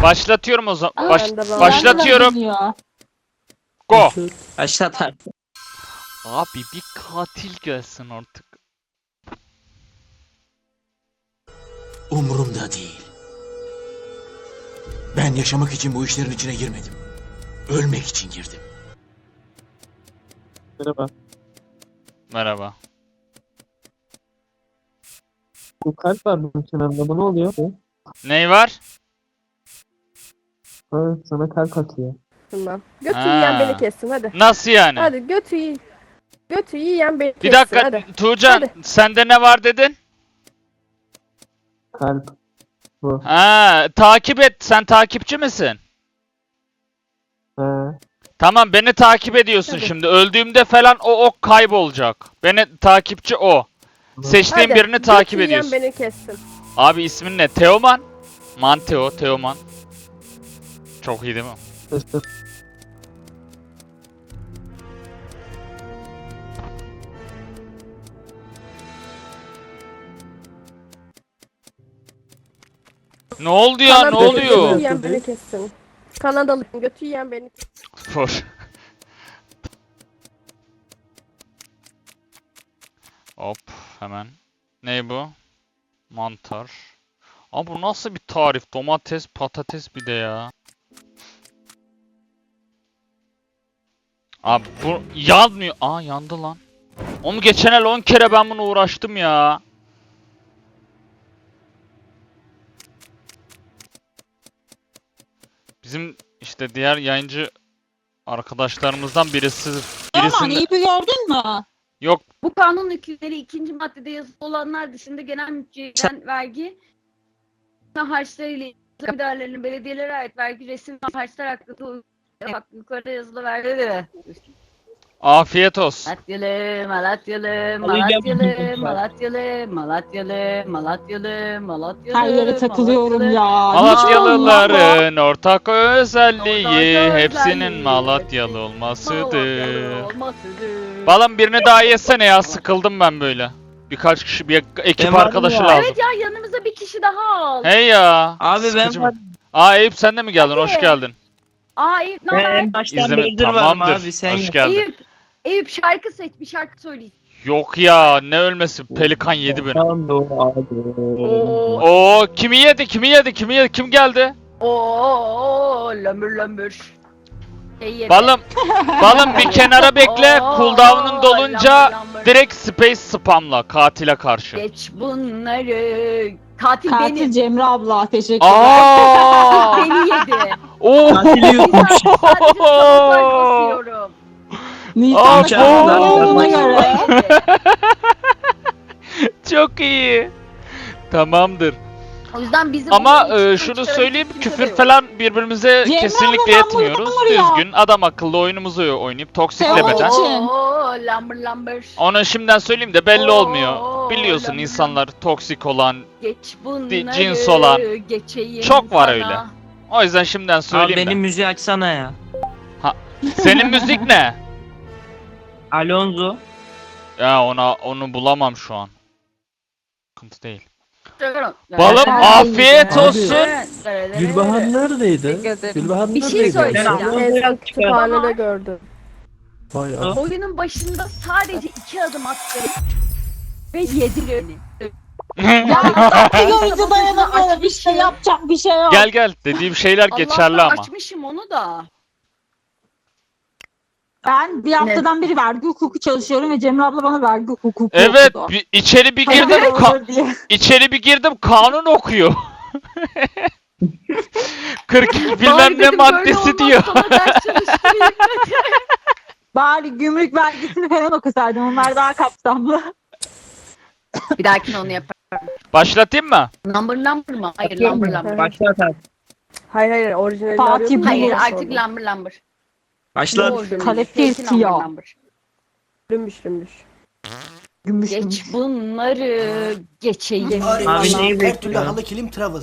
Başlatıyorum o zaman. Ben de ben- Başlatıyorum. Ya. Go. Başlat artık. Abi bir katil gelsin artık. Umurumda değil. Ben yaşamak için bu işlerin içine girmedim. Ölmek için girdim. Merhaba. Merhaba. Bu kalp var bunun kenarında. Bu ne oluyor? Ney var? Ha, sana kalp atıyor. Şundan. Götü Ha. yiyen beni kessin hadi. Nasıl yani? Hadi götü yiyen beni kessin Bir dakika hadi. Tuğcan, Hadi. sende ne var dedin? Kalp. Bu. Ha, takip et. Sen takipçi misin? Ha. Tamam, beni takip ediyorsun Hadi. şimdi. Öldüğümde falan o ok kaybolacak. Beni takipçi o. Seçtiğin Hadi. birini takip Götü ediyorsun. yiyen beni kessin. Abi ismin ne? Teoman? Manteo, Teoman. Çok iyi değil mi? Başlat. Ne oldu ya? Ne Kanadalı oluyor? Götü yiyen beni kessin. Kanadalı götü yiyen beni kessin. Spor. Hop hemen. Ne bu? Mantar. Ama bu nasıl bir tarif? Domates, patates bir de ya. Abi bu yanmıyor. Aa, yandı lan. Onu geçen el 10 kere ben bunu uğraştım ya. Bizim işte diğer yayıncı arkadaşlarımızdan birisi Aman birisinde iyi bir gördün mü? yok. Bu kanun hükümleri ikinci maddede yazılı olanlar dışında genel mülkiyeden vergi ve harçlarıyla ilgili idarelerinin belediyelere ait vergi resim ve harçlar hakkında bak yukarıda yazılı vergi. Afiyet olsun. Malatyalı, Malatyalı, Alacağım. Malatyalı, Malatyalı, Malatyalı, Malatyalı, Malatyalı. Her yere takılıyorum ya. Malatyalıların ortak özelliği Ortak hepsinin özelliği, Malatyalı Malatyalı olmasıdır. olmasıdır. Balım birini daha yesene ya, sıkıldım ben böyle. Birkaç kişi, bir ekip Ben varım arkadaşı ya. lazım. Evet ya, yanımıza bir kişi daha al. Hey ya. Abi ben sıkıcı var. mı? Aa, Eyüp sen de mi geldin? Hoş Hadi. geldin. Aa Eyüp ne haber? En baştan İzleme beridir varım tamamdır. abi. Sen Hoş geldin. Eyüp şarkı seç, bir şarkı söyleyeyim. Yok ya, ne ölmesi? Pelikan yedi beni. Tamam abi. Oo, Oo, kimi yedi? Kimi yedi? Kimi yedi? Kim geldi? oo, lömbür lömbür. Yedi. Balım bir kenara bekle. Oo, Cooldown'un dolunca lambır lambır. direkt space spamla katile karşı. Geç bunları. Katil, Katil benim. Cemre abla teşekkürler. Aa! Beni yedi. Oo! Katili Bir yutmuş. saat sadece sabotaj basıyorum. Nisan Aa, şarkıları bu- olduğuna göre. Yedi. Çok iyi. Tamamdır. O yüzden bizim Ama onun için şunu çıkaracak söyleyeyim, kimse de küfür yok. falan birbirimize Cemre kesinlikle abla, ben etmiyoruz. bunu ya. Düzgün, adam akıllı oyunumuzu oynayıp toksiklemeden. Teori. için. Oo, lambır lambır. Onu şimdiden söyleyeyim de belli Oo, olmuyor. Biliyorsun lambır insanlar toksik olan. Geç bunları. cins olan. Geçeyim Çok var sana. öyle. O yüzden şimdiden Abi söyleyeyim benim de. müziği açsana ya. Senin müzik ne? Alonso. Ya onu bulamam şu an. Sıkıntı değil. Balım Balım afiyet Abi. olsun. Gülbahar neredeydi? Gülbahar Bir şey neredeydi? söyleyeceğim. En son kütüphanede gördüm. Vay Allah. Oyunun başında sadece 2 adım attım ve yedi beni. Ya görünce dayanamıyorum işte yapacak bir şey yok. Gel gel, dediğim şeyler geçerli Allah'tan ama. açmışım onu da. Ben bir haftadan beri vergi hukuku çalışıyorum ve Cemre abla bana vergi hukuku Evet, okudu. içeri bir girdim, Hayırlı olur diye. içeri bir girdim, kanun okuyor. 42 bilmem Bari ne dedim, maddesi böyle diyor. olmaz, sana ders çalıştırayım dedim. Bari gümrük vergisini falan okusaydım. Onlar daha kapsamlı. Bir dahakine onu yaparım. Başlatayım mı? Number mı? Hayır, Yapayım number mı? number. Başlat abi. Hayır orijinalini Fatih arıyordum. Bey. Hayır, Sonra. artık number. Başlat. Kaleptir siyah. Lümbüş. Gümüş. Geç bunları geçeyim. Abi neyi Her türlü bekliyor? halı kilim travel.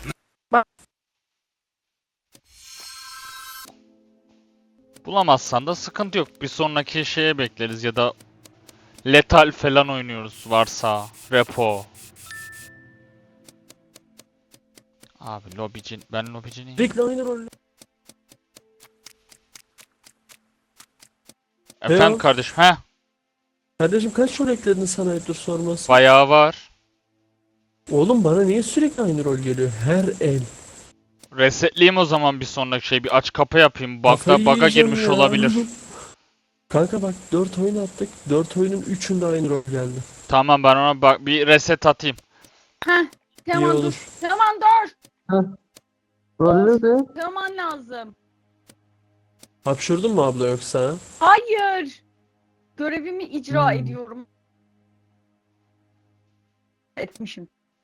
Bulamazsan da sıkıntı yok. Bir sonraki şeye bekleriz ya da letal falan oynuyoruz varsa. Repo. Abi lobici, ben lobici değilim. Sürekli aynı rol. Efendim Eyvallah. kardeşim, he? Kardeşim kaç rol ekledin sana ayıptır sorması? Bayağı var. Oğlum bana niye sürekli aynı rol geliyor? Her el. Resetleyeyim o zaman bir sonraki şey. Bir aç kapı yapayım. Kafayı Bug'a yiyeceğim girmiş ya. olabilir. Kanka bak 4 oyun attık. 4 oyunun 3'ünde aynı rol geldi. Tamam, ben ona bak bir reset atayım. Heh. İyi Teoman dur. olur. Teoman dur. Rol ne? Teoman lazım. Hapşurdun mu abla yoksa? Hayır. Görevimi icra Hmm. ediyorum. Etmişim.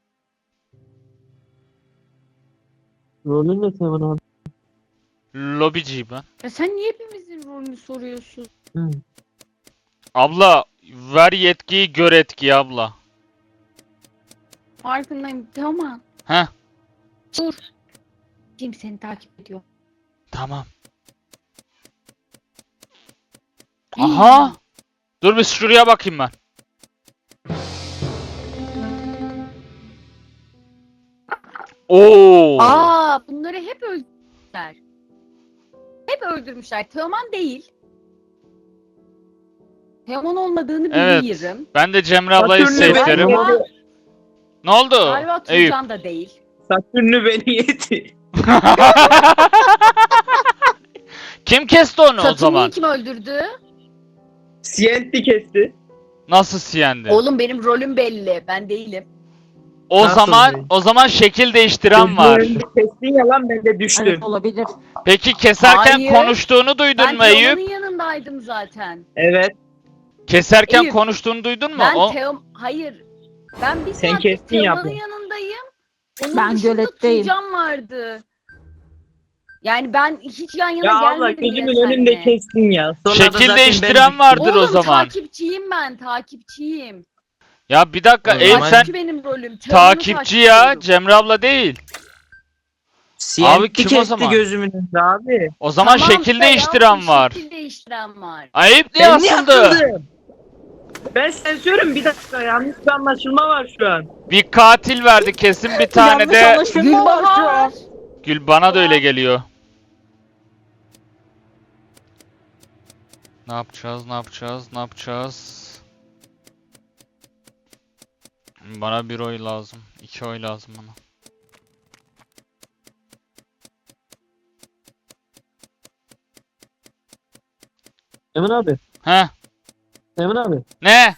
Rolün ne Teoman abi? Lobiciyim ben. Ya sen niye hepimizin rolünü soruyorsun? Abla ver yetkiyi, gör etkiyi abla. Farkındayım. Teoman. Heh. Dur. Kim seni takip ediyor? Tamam. Aha! Dur bir şuraya bakayım ben. Oo! Aa, bunları hep öldürmüşler. Hep öldürmüşler. Teoman değil. Teoman olmadığını Evet. biliyorum. Ben de Cemre ablayı Satürn'ü safe'lerim. Galiba, Ne oldu? galiba Eyüp. Tuğcan da değil. Satürn'ü beni yedi. Kim kesti onu o Satürn'ü zaman? kim öldürdü? CNT kesti. Nasıl siyendi? Oğlum benim rolüm belli. Ben değilim. O Nasıl zaman değil? o zaman şekil değiştiren var. Gözümün önünde kestin ya lan, ben de düştüm. Evet olabilir. Peki keserken Hayır. konuştuğunu duydun Ben mu Eyüp? Teoman'ın yanındaydım zaten. Evet. Keserken Eyüp, konuştuğunu duydun mu? Ben O Hayır. Ben bir Sen saat kestin ya Teoman'ın bu. yanındayım. Onun Ben dışında göletteyim. Tuğcan vardı. Yani ben hiç yan yana Ya abla gelmedim bile gözümün önünde seninle. kestin ya. Sonra da şekil zaten değiştiren ben vardır Oğlum o zaman. takipçiyim ben, takipçiyim. Ya bir dakika O Eyüp zaman- sen Takipçi benim rolüm. Teoman'ı takipçi ya, takip ediyorum. Cemre abla değil. CNT Abi kim o kesti zaman? gözümün önünde abi. O zaman Tamam, şekil Bey, değiştiren yaptım, var. Şekil değiştiren var. Ayıp diye Ben niye asıldı. atıldım? Ben sensörüm, bir dakika, yanlış bir anlaşılma var şu an. Bir katil verdi kesin, bir tane Yanlış de anlaşılma var şu an. Gülbahar. Gül, bana da öyle geliyor. Ne yapacağız? Ne yapacağız? Ne yapacağız? Bana bir oy lazım. 2 oy lazım bana. Emin abi. He? Emin abi. Ne?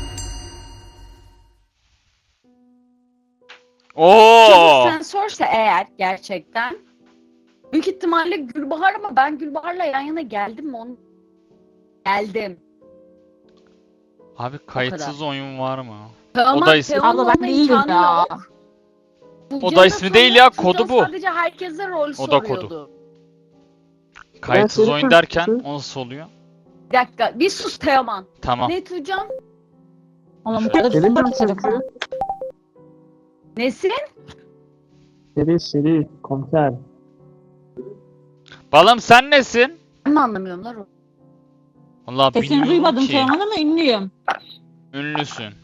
Çocuk Oo! sensörse eğer gerçekten büyük ihtimalle Gülbahar, ama ben Gülbahar'la yan yana geldim mi onu? Geldim. Abi kayıtsız oyun var mı? Ama da ismi- Teoman Abla ben olma değilim imkanı ya. yok. O Tuğcan da ismi değil ya, Tuğcan kodu bu. Sadece herkese rol O da kodu. soruyordu. Kayıtsız seni oyun derken konuştum. o nasıl oluyor? Bir dakika, bir sus Teoman. Tamam. Ne Tuğcan? Oğlum bu kadar Benim de sarı. Nesin? Seri komiser. Balım sen nesin? Ben mi anlamıyorum lan o? Vallahi Sesini bilmiyorum duymadım ki. Teoman ama ünlüyüm. Ünlüsün.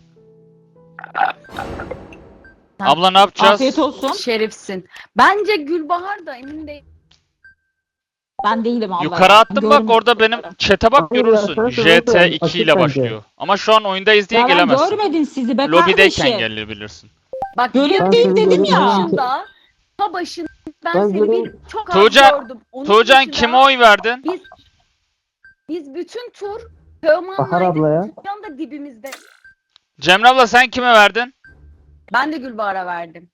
Abla ne yapacağız? Afiyet olsun. Şerifsin. Bence Gülbahar da emin değil. Ben değilim abla. Yukarı ya. attım bak, Görmedim. orada benim chat'e bak Hayır, görürsün. arkadaşlar, JT2 açık ile bence. başlıyor. Ama şu an oyundayız diye Ya ben gelemezsin. görmedim sizi be Lobideyken kardeşim. gelebilirsin. Bak Göletteyim bir dedim ya. başında, ta başında ben Ben seni görev- bir çok az Tuğcan- gördüm. Onun Tuğcan dışında kime oy verdin? Biz bütün tur Bahar Teoman'laydık. abla ya. Tuğcan da dibimizde. Cemre abla sen kime verdin? Ben de Gülbahar'a verdim.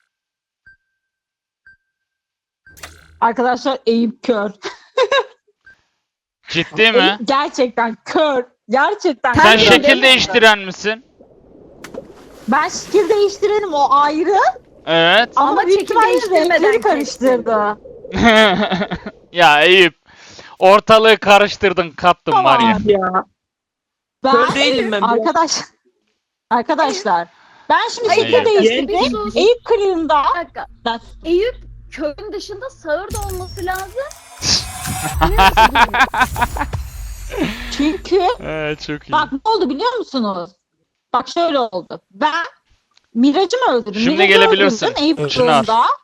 Arkadaşlar Eyüp kör. Ciddi mi? Eyüp gerçekten kör. Gerçekten Sen Sen kör. şekil- şekil değiştiren misin? Ben şekil değiştirelim o ayrı. Evet. Ama büyük şekil ihtimalle değiştirmeden renkleri karıştırdı. Ya Eyüp, ortalığı karıştırdın, kattın var ya. Ya. Ben Kör değilim ben. Arkadaşlar ben şimdi Hayır, şekil Hayır. değiştirdim. Bir sus. Eyüp kırığında Bir dakika. Ben- Eyüp köyün dışında sağırda olması lazım. Neresi bilmiyorum. çünkü Çok iyi. bak ne oldu biliyor musunuz? Bak şöyle oldu. Ben Mirac'ı mı öldürdüm? Şimdi Mirac'ı gelebilirsin. öldürdüm Eyüp Çınar. kırığında.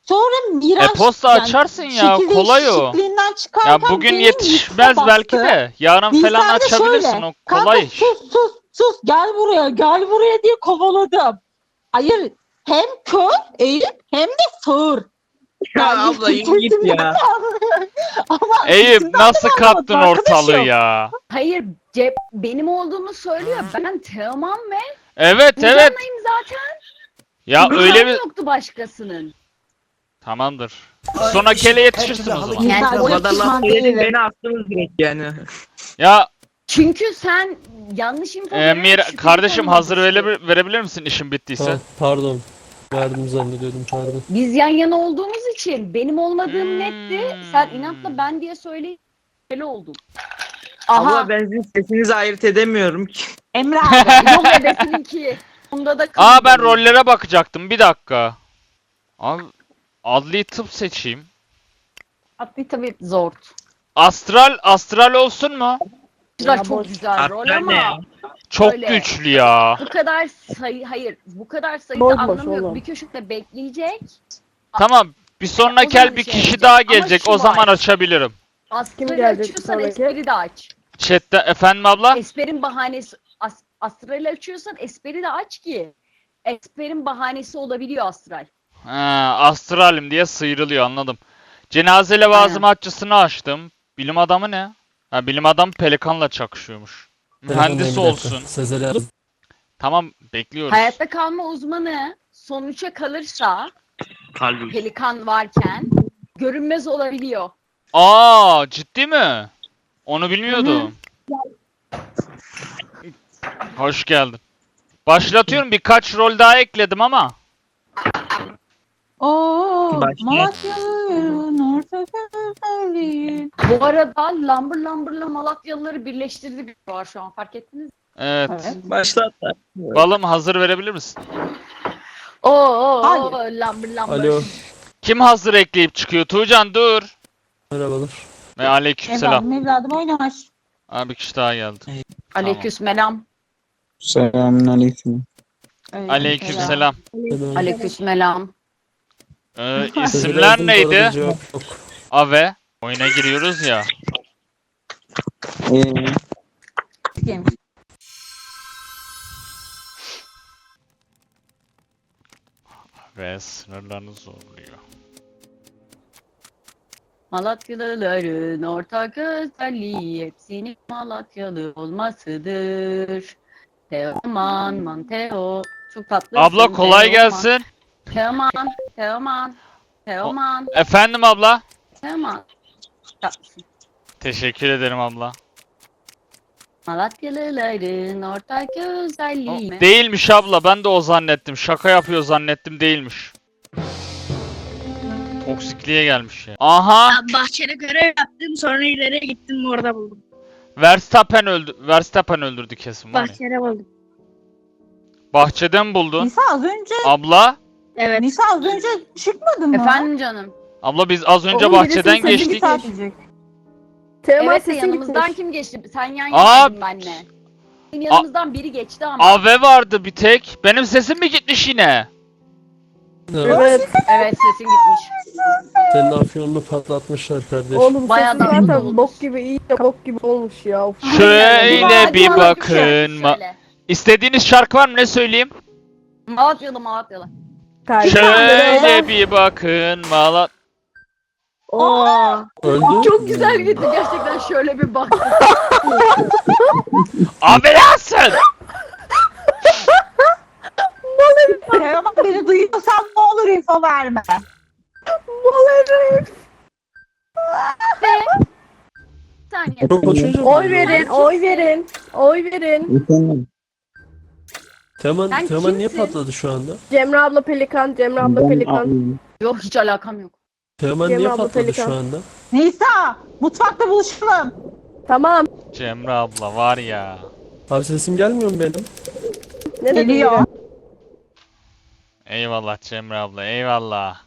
Sonra Miraç E-posta açarsın ya, şekil kolay o. değişikliğinden Ya çıkarken bugün benim yetişmez üstüme belki bastı. de. Yarın falan Bilsen de açabilirsin, şöyle, o kanka kolay iş. sus gel buraya diye kovaladım. Hayır, hem kör Eyüp hem de sağır. Ya Yani abla yürü git kesimden Eyüp ya. nasıl anlamadın kaptın ortalığı arkadaşım. ya? Hayır, benim olduğumu söylüyor. Ben Teoman ve Evet. Nurcan'layım zaten. Ya öyle Nurcan bir... yoktu başkasının. Tamamdır. Sonraki ele yetişirsin o zaman. Yani O o kadar laf pişman söyledin değilim. beni attınız direkt yani. Ya Çünkü sen yanlış info vererek şüpheli kardeşim konuma hazır düştün. verebilir misin işin bittiyse? Pardon. Verdim zannediyordum, pardon. Biz yan yana olduğumuz için benim olmadığım netti. Sen Hmm. inatla ben diye söyleyip şüpheli oldum. Abla ben sizin sesinizi ayırt edemiyorum ki. Emre abi. Yok ebesininki. Bunda da Aa, ben kızdım. rollere bakacaktım. Bir dakika. Abi adli tıp seçeyim. Adli tabii zor. Astral olsun mu? Güzel, çok güzel rol Astral ne ya? ama Çok Öyle. güçlü ya. bu kadar sayı, hayır bu kadar sayıda Boş boş anlamı yok. oğlum. Bir köşede bekleyecek. Tamam. Bir sonraki zaman el bir şey kişi yapacak. daha Ama gelecek. şu O zaman var. açabilirim. Astral'i gelecek açıyorsan sonraki? espri de aç. Chat'te efendim abla? Esperin bahanesi astral'i açıyorsan espri de aç ki. Esperin bahanesi olabiliyor astral. Ha, astralim diye sıyrılıyor, anladım. Cenaze levazım açısını açtım. Bilim adamı ne? Ha, bilim adamı pelikanla çakışıyormuş. Mühendis Telefondayım, bir dakika. olsun. Sezer yazdım. Tamam, bekliyoruz. Hayatta kalma uzmanı sonuça kalırsa Kalbim. pelikan varken görünmez olabiliyor. Aa, ciddi mi? Onu bilmiyordum. Hoş geldin. Başlatıyorum, birkaç rol daha ekledim ama. Oo, Başla. Malatya'nın orta güzelliği. Bu arada Lambır'la Malatyalıları birleştirdik var şu an, fark ettiniz mi? Evet. Evet. Başlat. Balım hazır verebilir misin? Hayır. Lambır. Alo. Kim hazır ekleyip çıkıyor? Tuğcan dur. Merhabalar. Ve aleykümselam. Evladım oynar. Abi bir kişi daha geldi. Aleykümselam. Selamünaleyküm. Aleykümselam. Selam. Aleykümselam. Sezer İsimler yazdım, bu arada neydi? cevap yok. Ave. Oyuna giriyoruz ya. Kim? Ve sınırlarını zorluyor. Malatyalıların ortak özelliği hepsinin Malatyalı olmasıdır. Teoman, Manteo. Çok tatlısın. Abla kolay Teoman. gelsin. Teoman. Efendim abla. Tatlısın. Teşekkür ederim abla. Malatyalıların ortak özelliği. Değilmiş abla, ben de o zannettim. Şaka yapıyor zannettim, değilmiş. Toksikliğe gelmiş ya. Aha! Bahçede görev yaptım, sonra ileriye gittim, orada buldum. Verstappen öldürdü kesin var ya. Bahçede buldum. Bahçeden buldun. Nisa az önce Abla. Evet. Nisa az önce çıkmadın mı? Efendim canım. Abla biz az önce Oğlum, bahçeden birisinin sesi geçtik. gitmiş. Teoman Evet de sesin yanımızdan gitmiş. kim geçti? Sen yan Aa! yanaydın benle. Bizim yanımızdan biri geçti ama. Ave vardı bir tek. Benim sesim mi gitmiş yine? Evet. Evet, sesin gitmiş. Senin afyonunu patlatmışlar kardeş. Oğlum Bayağı sesi da zaten olmuş. bok gibi iyi de bok gibi olmuş ya. Of. Şöyle bir Malatyalı bakın. söyle. İstediğiniz şarkı var mı, ne söyleyeyim? Malatyalı. Kardeşim. Şöyle bir bakın Malat. Oo. Öldü. Çok güzel gitti gerçekten, şöyle bir bak. Abi nasıl? Teoman beni duyuyorsan ne olur info verme. Bir saniye. Çok konuşunca Oy verin, oy verin. Oy verin. Efendim, Teoman Sen niye kimsin? patladı şu anda? Cemre abla pelikan, Cemre abla ben pelikan. abim. Yok, hiç alakam yok. Teoman Cem niye abla patladı pelikan. şu anda? Nisa mutfakta buluşalım. Tamam. Cemre abla var ya. Abi sesim gelmiyor mu benim? Ne dedin Geliyor. ya? Eyvallah Cemre abla, eyvallah.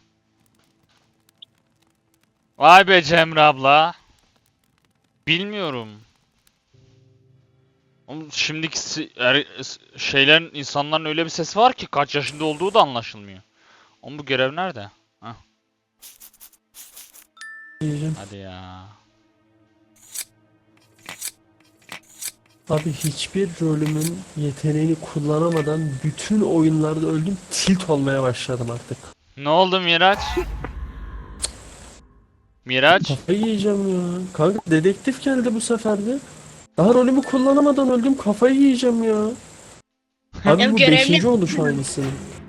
Vay be Cemre abla. Bilmiyorum. Oğlum şimdiki şeylerin, insanların öyle bir sesi var ki kaç yaşında olduğu da anlaşılmıyor. Oğlum bu görev nerede? Heh. yiyeceğim. Hadi ya. Abi hiçbir rolümün yeteneğini kullanamadan bütün oyunlarda öldüm. Tilt olmaya başladım artık. Ne oldu Miraç? Miraç? Kafayı yiyeceğim ya. Kanka dedektif geldi bu sefer de. Daha rolümü kullanamadan öldüm. Kafayı yiyeceğim ya. Abi Ya bu görevli- 5. oluş aynısı.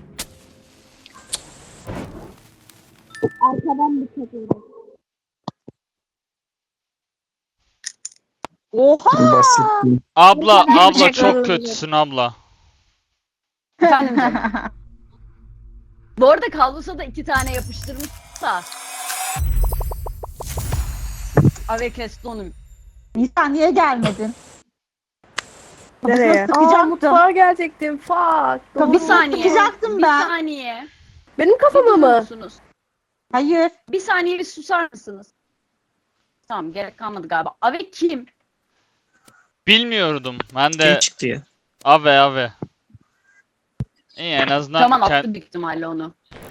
Oha! Basit. Abla Teşekkür çok ederim. kötüsün abla. Efendim canım. Bu arada Kalbus'a da 2 tane yapıştırmış da. Ave kesti onu. Nisan niye gelmedin? Nereye? Aa, Sıkacaktım. mutfağa gelecektim. Fuck. Tabii Doğru. Bir saniye. Sıkacaktım Bir ben. saniye. Benim Bir kafama durur mı? musunuz? Hayır. Bir saniye bir susar mısınız? Tamam gerek kalmadı galiba. Ave kim? Bilmiyordum. Ben Kim de çıktı ya? ave. İyi en azından Tamam kend- attı büyük ihtimalle onu.